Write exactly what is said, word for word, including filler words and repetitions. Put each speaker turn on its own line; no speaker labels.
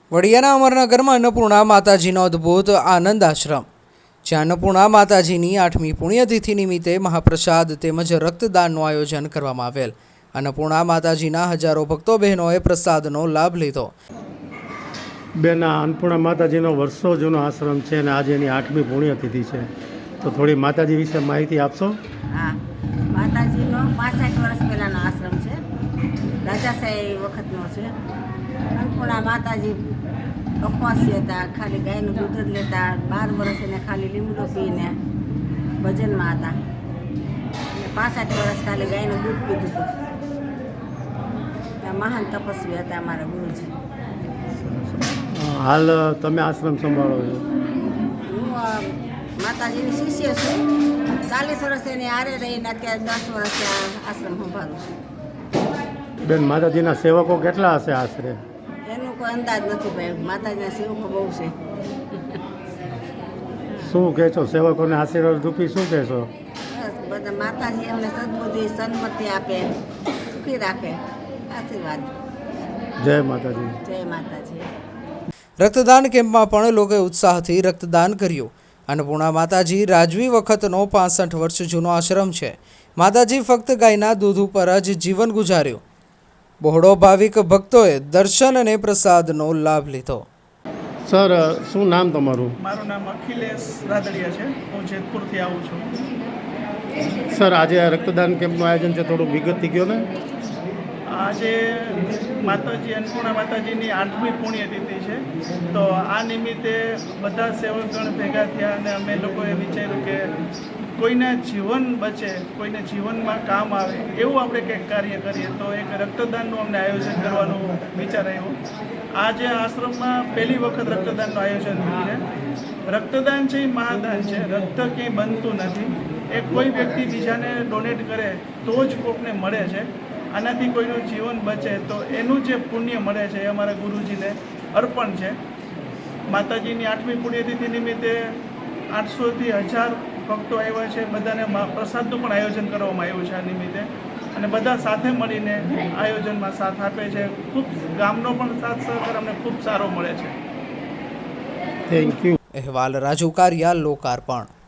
વડિયાના અમરનગરમાં અન્નપૂર્ણા માતાજીનો અદ્ભુત આનંદ આશ્રમ, જ્યાં અન્નપૂર્ણા માતાજીની આઠમી પુણ્યતિથિ નિમિત્તે મહાપ્રસાદ તેમજ રક્તદાનનું આયોજન કરવામાં આવેલ. અન્નપૂર્ણા માતાજીના હજારો ભક્તો બહેનોએ પ્રસાદનો લાભ લીધો.
બેન, આ અન્નપૂર્ણા માતાજીનો વર્ષો જૂનો આશ્રમ છે અને આજે એની આઠમી પુણ્યતિથિ છે, તો થોડી માતાજી વિશે માહિતી આપશો?
હા, માતાજીનો પાસઠ વર્ષ પહેલાંનો આશ્રમ છે, રાજાશાહી વખતનો છે. અન્નપૂર્ણા માતાજી અપવાસી હતા, ખાલી ગાયનું દૂધ જ લેતા. બાર વર્ષ એને ખાલી લીમડો પીને ભજનમાં હતા અને પાસઠ વર્ષ ખાલી ગાયનું દૂધ પીધું હતું. મહાન તપસ્વી હતા અમારા ગુરુજી.
હાલ તમે આશ્રમ સંભાળો છો?
હું માતાજીની શિષ્ય છું. ચાલીસ વર્ષ એની આરે રહીને અત્યારે દસ વર્ષ આશ્રમ સંભાળું છું.
બેન, માતાજીના સેવકો કેટલા હશે આશરે?
એનું કોઈ અંદાજ નથી ભાઈ. માતાજીના સેવકો બહુ છે.
શું કહેશો સેવકોને આશીર્વાદ રૂપી શું કહેશો?
બસ બધા માતાજી એમને સદબુદ્ધિ સન્મતિ આપે, સુખી રાખે. આશીર્વાદ.
જય માતાજી.
જય માતાજી.
રક્તદાન કેમ્પમાં પણ લોકોએ ઉત્સાહથી રક્તદાન કર્યું. અન્નપૂર્ણા માતાજી રાજવી વખતનો પાસઠ વર્ષ જૂનો આશ્રમ છે. માતાજી ફક્ત ગાયના દૂધ ઉપર જ જીવન ગુજાર્યું. બહોળો ભાવિક ભક્તોએ દર્શન અને પ્રસાદનો લાભ લીધો.
સર, શું નામ તમારું?
મારું નામ અખિલેશ રાદડિયા છે. હું જેતપુરથી આવું છું.
સર, આજે આ રક્તદાન કેમ્પનું આયોજન છે, થોડું વિગતથી કહો ને.
આજે માતાજી અન્નપૂર્ણા માતાજીની આઠમી પુણ્યતિથિ છે, તો આ નિમિત્તે બધા સેવકગણ ભેગા થયા અને અમે લોકોએ વિચાર્યું કે કોઈના જીવન બચે, કોઈને જીવનમાં કામ આવે એવું આપણે કંઈક કાર્ય કરીએ. તો એક રક્તદાનનું અમને આયોજન કરવાનું વિચાર આવ્યો. આજે આશ્રમમાં પહેલી વખત રક્તદાનનું આયોજન થયું છે. રક્તદાન છે એ મહાદાન છે. રક્ત ક્યાંય બનતું નથી. એ કોઈ વ્યક્તિ બીજાને ડોનેટ કરે તો જ કોકને મળે છે. આનાથી કોઈનું જીવન બચે તો એનું જે પુણ્ય મળે છે એ અમારા ગુરુજીને અર્પણ છે. માતાજીની આઠમી પુણ્યતિથિ નિમિત્તે આઠસોથી હજાર ભક્તો આવ્યા છે. બધાને પ્રસાદનું પણ આયોજન કરવામાં આવ્યું છે આ નિમિત્તે, અને બધા સાથે મળીને આયોજનમાં સાથ આપે છે. ખૂબ ગામનો પણ સાથ સહકાર અમને ખૂબ સારો મળે છે.
Thank you.
અહેવાલ રાજુ કારિયા, લોકાર્પણ.